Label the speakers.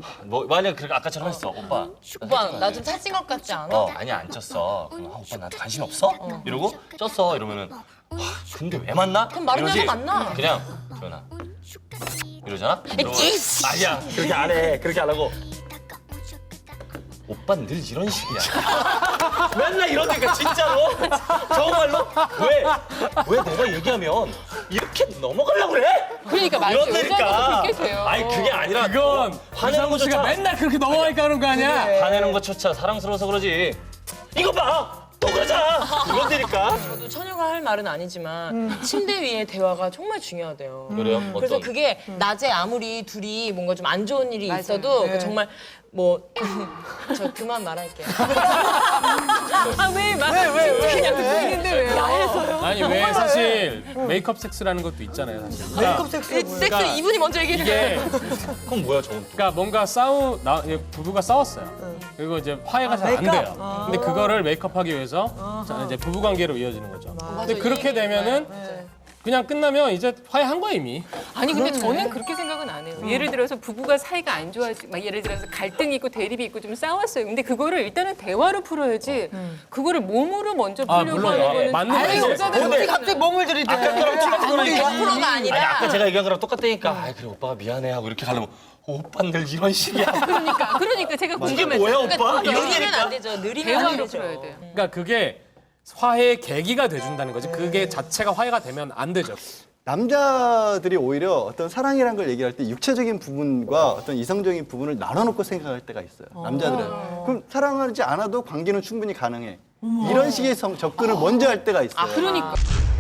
Speaker 1: 뭐 만약 그렇게 아까처럼 했어. 오빠
Speaker 2: 나 좀 살찐 것 같지 않아?
Speaker 1: 아니야 안 쪘어. 그럼 오빠 나한테 관심 없어? 이러고 쪘어 이러면은 근데 왜 만나?
Speaker 2: 그럼 마른
Speaker 1: 이러지.
Speaker 2: 여자 만나.
Speaker 1: 그냥 전화 이러잖아? 아니야 그렇게 안 해. 그렇게 안 하고 오빠는 늘 이런 식이야. 맨날 이러니까 진짜로 정말로 왜 내가 얘기하면 이렇게 넘어가려고 그래?
Speaker 3: 그러니까 맞아. 여자가
Speaker 1: 이러니까
Speaker 3: 그렇게 돼요.
Speaker 1: 아니 그게 아니라
Speaker 4: 그건
Speaker 1: 화내는
Speaker 4: 이상우 씨가
Speaker 1: 것조차
Speaker 4: 맨날 그렇게 넘어가니까 하는 거 아니야?
Speaker 1: 화내는 것조차 사랑스러워서 그러지. 이거 봐! 또 그러잖아! 이런다니까.
Speaker 2: 저도 처녀가 할 말은 아니지만 침대 위의 대화가 정말 중요하대요.
Speaker 1: 그래요?
Speaker 2: 그래서
Speaker 1: 어떤?
Speaker 2: 그게 낮에 아무리 둘이 뭔가 좀 안 좋은 일이 있어도 그 정말 뭐 저 그만 말할게요.
Speaker 3: 왜 그냥 듣고 있는데 왜요?
Speaker 4: 아니 왜 사실 메이크업 섹스라는 것도 있잖아요 사실.
Speaker 5: 메이크업 섹스가 뭐예요?
Speaker 2: 섹스 이분이 먼저 얘기를 해요.
Speaker 4: 이게
Speaker 1: 그건 뭐야 저건?
Speaker 4: 그러니까 뭔가 부부가 싸웠어요. 그리고 이제 화해가 잘 안
Speaker 5: 메이크업?
Speaker 4: 돼요. 근데 그거를 메이크업하기 위해서 자, 이제 부부 관계로 이어지는 거죠. 근데 그렇게 되면은 그냥 끝나면 이제 화해한 거야 이미.
Speaker 3: 아니 근데 저는 그렇게 생각은 안 해요. 예를 들어서 부부가 사이가 안 좋아지, 막 예를 들어서 갈등이 있고 대립이 있고 좀 싸웠어요. 근데 그거를 일단은 대화로 풀어야지. 그거를 몸으로 먼저 풀려고
Speaker 4: 물론
Speaker 3: 하는 거는
Speaker 4: 맞는
Speaker 5: 아니
Speaker 4: 말이지.
Speaker 5: 여자들은 어떻게 갑자기 몸을 들이대?
Speaker 1: 아까 거랑 똑같은 거라니까.
Speaker 2: 프로가
Speaker 1: 아니
Speaker 2: 아니라
Speaker 1: 아까 제가 얘기한 거랑 똑같다니까. 아 그래 오빠가 미안해 하고 이렇게 가려면 오빠는 늘 이런 식이야.
Speaker 3: 그러니까 제가
Speaker 1: 이게
Speaker 3: 궁금해서.
Speaker 1: 뭐야 오빠?
Speaker 2: 느리면 안
Speaker 1: 이러니까.
Speaker 2: 되죠. 느리면 안
Speaker 3: 대화로
Speaker 2: 되죠.
Speaker 3: 풀어야 돼요.
Speaker 4: 그러니까 그게 화해의 계기가 돼준다는 거지. 그게 자체가 화해가 되면 안 되죠.
Speaker 6: 남자들이 오히려 어떤 사랑이라는 걸 얘기할 때 육체적인 부분과 어떤 이성적인 부분을 나눠놓고 생각할 때가 있어요. 남자들은. 그럼 사랑하지 않아도 관계는 충분히 가능해. 이런 식의 접근을 먼저 할 때가 있어요.
Speaker 3: 그러니까.